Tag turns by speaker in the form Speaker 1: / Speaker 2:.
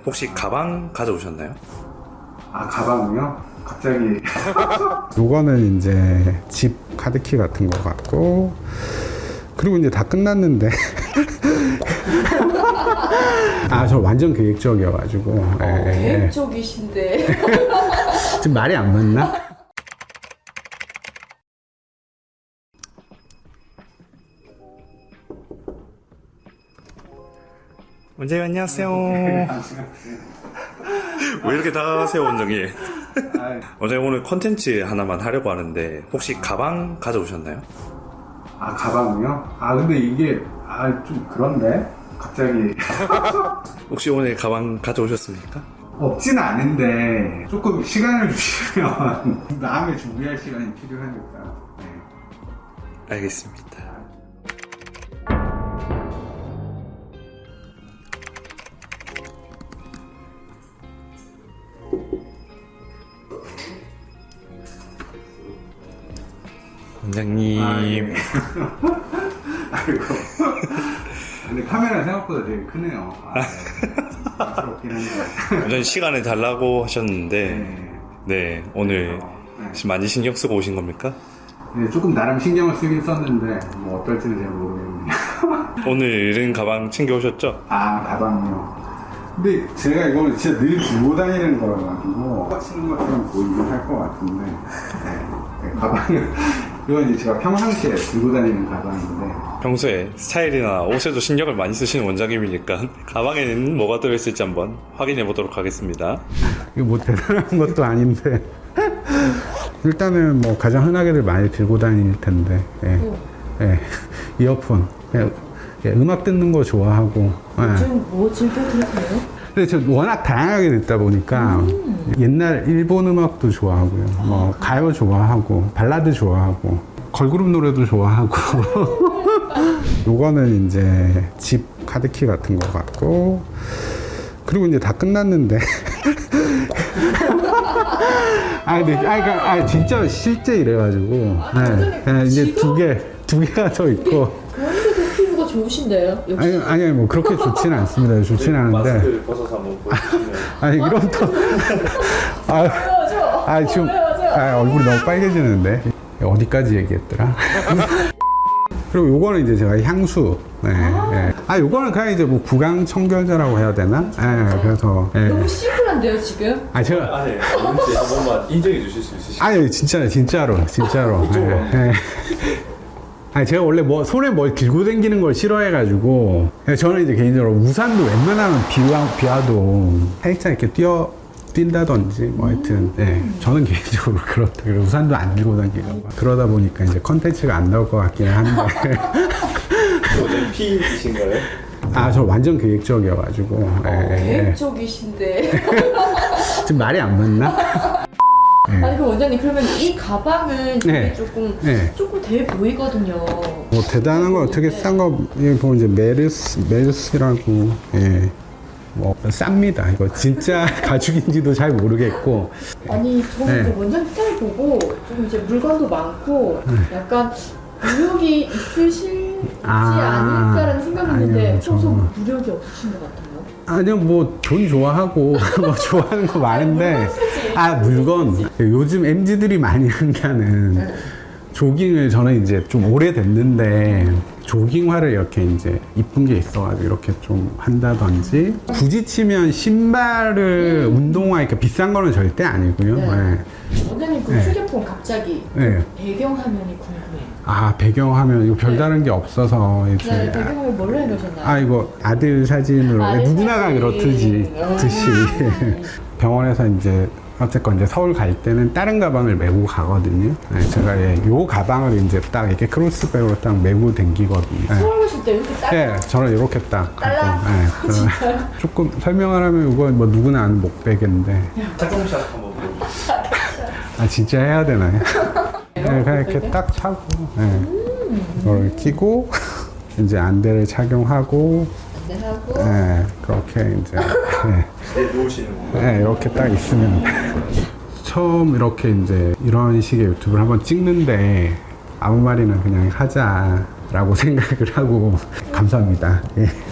Speaker 1: 혹시 가방 가져오셨나요?
Speaker 2: 아, 가방이요? 갑자기.
Speaker 3: 요거는 이제 집 카드키 같은 거 같고, 그리고 이제 다 끝났는데. 아, 저 완전 계획적이어가지고.
Speaker 4: 계획적이신데.
Speaker 3: 지금 말이 안 맞나?
Speaker 1: 원장님 안녕하세요. 왜 이렇게 다가가세요, 원장님? 원장님 오늘 컨텐츠 하나만 하려고 하는데 혹시 가방 가져오셨나요?
Speaker 2: 아, 가방이요? 아, 근데 이게, 좀 그런데? 갑자기.
Speaker 1: 혹시 오늘 가방 가져오셨습니까?
Speaker 2: 없진 않은데, 조금 시간을 주시면, 다음에 준비할 시간이 필요하니까. 네.
Speaker 1: 알겠습니다. 원장님.
Speaker 2: 아이고. 근데 카메라 생각보다 되게 크네요. 부럽긴 한데.
Speaker 1: 원장님 시간을 달라고 하셨는데
Speaker 2: 네.
Speaker 1: 네 오늘 지금 많이 신경 쓰고 오신 겁니까?
Speaker 2: 네, 조금 나름 신경을 쓰긴 썼는데, 뭐 어떨지는 잘 모르겠네요.
Speaker 1: 오늘은 가방 챙겨오셨죠?
Speaker 2: 아, 가방이요. 근데 제가 이거는 진짜 늘 들고 다니는 거여가지고 치는 것처럼 보이긴 할 것 같은데 네, 가방은 이건 이제 제가 평상시에 들고 다니는 가방인데
Speaker 1: 평소에 스타일이나 옷에도 신경을 많이 쓰시는 원장님이니까 가방에는 뭐가 들어있을지 한번 확인해 보도록 하겠습니다.
Speaker 3: 이거 뭐 대단한 것도 아닌데. 일단은 뭐 가장 흔하게들 많이 들고 다닐 텐데. 예. 이어폰. 음악 듣는 거 좋아하고.
Speaker 4: 요즘 뭐 즐겨 들으세요?
Speaker 3: 근데 저 워낙 다양하게 듣다 보니까 옛날 일본 음악도 좋아하고요. 뭐 가요 좋아하고 발라드 좋아하고 걸그룹 노래도 좋아하고. 요거는 이제 집 카드키 같은 거 같고, 그리고 이제 다 끝났는데. 그러니까 진짜 실제 이래가지고. 이제 두 개가 더 있고.
Speaker 4: 그런데도 피부가 좋으신데요? 역시.
Speaker 3: 아니 뭐 그렇게 좋지는 않습니다. 좋지는 않은데.
Speaker 1: 마스크를 벗어서 한번 보여주시면.
Speaker 3: 아니 이런 또. 지금 얼굴이 너무 빨개지는데. 어디까지 얘기했더라? 그리고 요거는 이제 제가 향수. 요거는 그냥 이제 뭐 구강 청결제라고 해야 되나? 그래서.
Speaker 4: 너무 심플한데요, 지금?
Speaker 1: 제가 아니 뭔지 한 번만 인정해 주실 수 있으시죠?
Speaker 3: 아니 진짜로.
Speaker 1: 이쪽으로.
Speaker 3: 제가 원래 뭐 손에 뭘 들고 다니는 걸 싫어해가지고 저는 이제 개인적으로 우산도 웬만하면 비와도 살짝 이렇게 뛴다든지 뭐 하여튼 저는 개인적으로 그렇다. 우산도 안 들고 다니고 그러다 보니까 이제 컨텐츠가 안 나올 것 같긴 한데.
Speaker 1: 원장님 P이신가요?
Speaker 3: 저 완전 계획적이어가지고.
Speaker 4: 계획적이신데.
Speaker 3: 지금 말이 안 맞나?
Speaker 4: 아니, 그 원장님, 그러면 이 가방은 되게 조금 돼 보이거든요.
Speaker 3: 뭐 대단한 거 어떻게 싼 거 보면 이제 메르스라고 뭐 쌉니다. 이거 진짜 가죽인지도 잘 모르겠고.
Speaker 4: 아니, 저는 이제 원장님 스타일 보고 좀 이제 물건도 많고 약간 무력이 있으시지 않을까라는 생각했는데
Speaker 3: 아니요,
Speaker 4: 평소 무력이 없으신 것 같아요.
Speaker 3: 아니요, 뭐 돈 좋아하고 뭐 좋아하는 거 많은데 물건 요즘 MZ들이 많이 하는 조깅을 저는 이제 좀 오래됐는데 조깅화를 이렇게 이제 이쁜 게 있어가지고 이렇게 좀 한다든지, 굳이 치면 신발을 운동화 이렇게 비싼 거는 절대 아니고요.
Speaker 4: 원장님 그 휴대폰 갑자기 배경화면이 궁금해요.
Speaker 3: 배경화면 이거 별다른 게 없어서 이제
Speaker 4: 배경화면 뭘로 해놓으셨나요?
Speaker 3: 이거 아들 사진으로 누구나가 그렇듯이 병원에서 이제 어쨌건 이제 서울 갈 때는 다른 가방을 메고 가거든요. 제가 요 가방을 이제 딱 이렇게 크로스백으로 딱 메고 댕기거든요.
Speaker 4: 서울 가실 때 이렇게 딱?
Speaker 3: 저는 이렇게 딱
Speaker 4: 딸랑? 진짜요?
Speaker 3: 조금 설명을 하면 이거 뭐 누구나 아는 목베개인데.
Speaker 1: 착용샷 한번 보여주세요.
Speaker 3: 진짜 해야 되나요? 그냥 이렇게 딱 차고, 이걸 끼고, 이제 안대를 착용하고, 그렇게 이제.
Speaker 1: 누우시는 거.
Speaker 3: 이렇게 딱 있으면. 처음 이렇게 이제 이런 식의 유튜브를 한번 찍는데, 아무 말이나 그냥 하자라고 생각을 하고, 감사합니다.